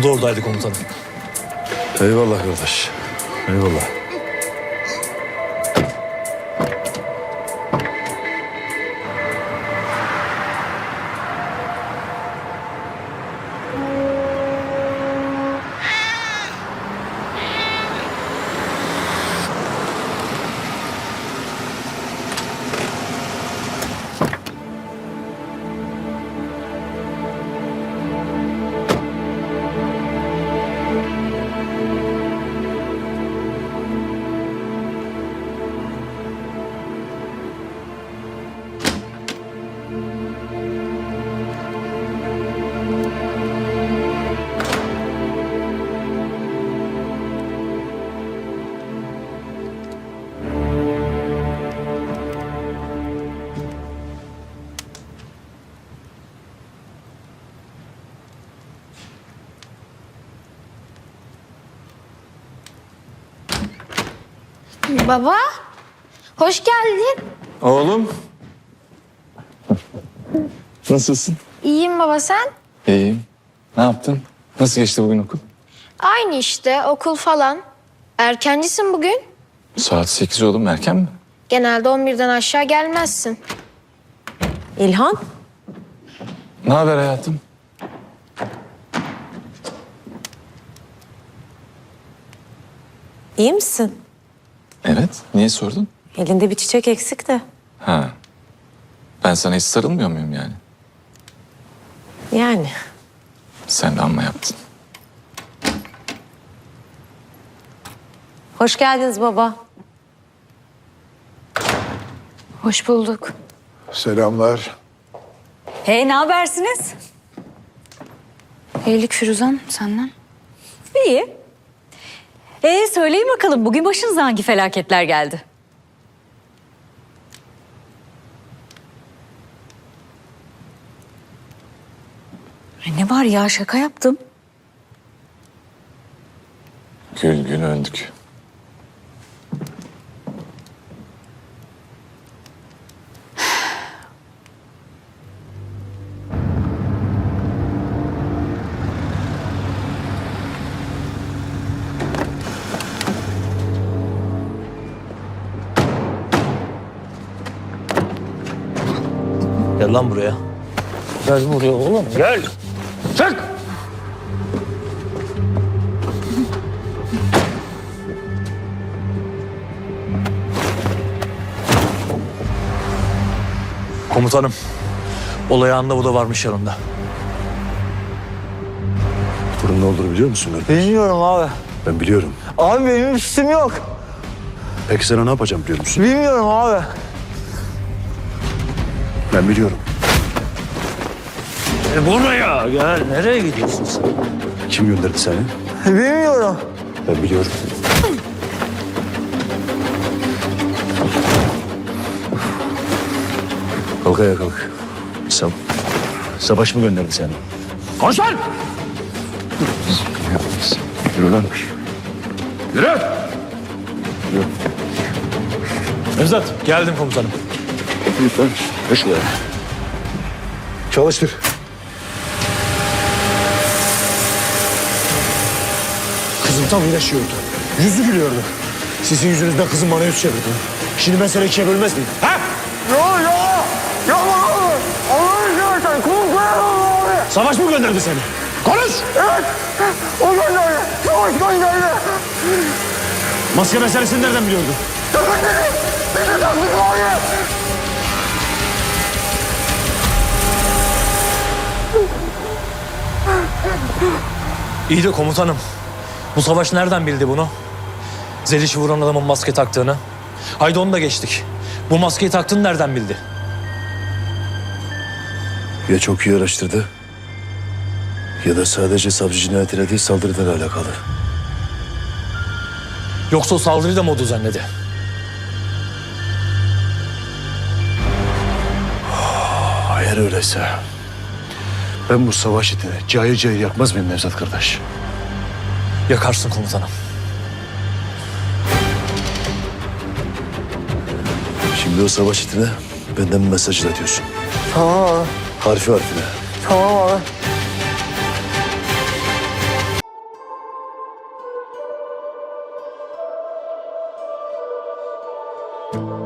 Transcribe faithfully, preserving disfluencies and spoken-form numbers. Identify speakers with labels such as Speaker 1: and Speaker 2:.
Speaker 1: Bu da oradaydı komutanım.
Speaker 2: Eyvallah kardeş. Eyvallah.
Speaker 3: Baba, hoş geldin.
Speaker 2: Oğlum. Nasılsın?
Speaker 3: İyiyim baba, sen?
Speaker 2: İyiyim. Ne yaptın? Nasıl geçti bugün okul?
Speaker 3: Aynı işte, okul falan. Erkencisin bugün.
Speaker 2: Saat sekiz oğlum, erken mi?
Speaker 3: Genelde on birden aşağı gelmezsin.
Speaker 4: İlhan,
Speaker 2: Ne haber hayatım?
Speaker 4: iyi misin?
Speaker 2: Evet. Niye sordun?
Speaker 4: Elinde bir çiçek eksik de.
Speaker 2: Ha. Ben sana hiç sarılmıyor muyum yani?
Speaker 4: Yani.
Speaker 2: Sen de amma yaptın.
Speaker 4: Hoş geldiniz baba.
Speaker 3: Hoş bulduk.
Speaker 5: Selamlar.
Speaker 6: Hey, ne habersiniz?
Speaker 3: İyilik Firuzan, senden.
Speaker 6: İyi. Ee, söyleyin bakalım, bugün başınıza hangi felaketler geldi? Ay, ne var ya, şaka yaptım.
Speaker 2: Gül gül öldük.
Speaker 1: Gel lan buraya. Gel buraya oğlum, gel. Çık! Komutanım, olay anında bu da varmış yanında.
Speaker 5: Bunun ne olduğunu biliyor musun kardeş?
Speaker 7: Bilmiyorum abi.
Speaker 5: Ben biliyorum.
Speaker 7: Abi benim üstüm yok.
Speaker 5: Peki sana ne yapacağım biliyor musun?
Speaker 7: Bilmiyorum abi.
Speaker 5: Ben biliyorum.
Speaker 1: E buraya gel, nereye gidiyorsun sen?
Speaker 5: Kim gönderdi seni?
Speaker 7: Bilmiyorum.
Speaker 5: Ben biliyorum. Kalk ayağa kalk. Sa Savaş mı gönderdi seni?
Speaker 1: Koş lan!
Speaker 5: Yürü lan.
Speaker 1: Yürü! Nevzat, geldim komutanım.
Speaker 5: Lütfen. Geç şuraya. Çalıştır. Kızım tam iyileşiyordu. Yüzü gülüyordu. Sizin yüzünüzden kızım bana yüz çevirdi. Şimdi ben sana ikiye bölmez miyim? Ha?
Speaker 7: Ya ya. Ya abi. Allah'ını seversen korkuyorum abi.
Speaker 5: Savaş mı gönderdi seni? Konuş!
Speaker 7: Evet. O gönderdi. Savaş gönderdi.
Speaker 5: Maske meselesini nereden biliyordu?
Speaker 7: Beni taktık abi.
Speaker 1: İyi de komutanım, bu savaş nereden bildi bunu? Zeliş'i vuran adamın maske taktığını. Haydi onu da geçtik. Bu maskeyi taktığını nereden bildi?
Speaker 5: Ya çok iyi araştırdı ya da sadece savcı cinayetiyle değil saldırıdan alakalı.
Speaker 1: Yoksa o saldırıyı da mı o düzenledi?
Speaker 5: Eğer öyleyse ben bu savaş itini cayır cayır yakmaz mıyım Nevzat kardeş?
Speaker 1: Yakarsın komutanım.
Speaker 5: Şimdi o savaş itine benden bir mesaj iletiyorsun.
Speaker 7: Tamam abi.
Speaker 5: Harfi harfine.
Speaker 7: Tamam abi.
Speaker 3: Baba.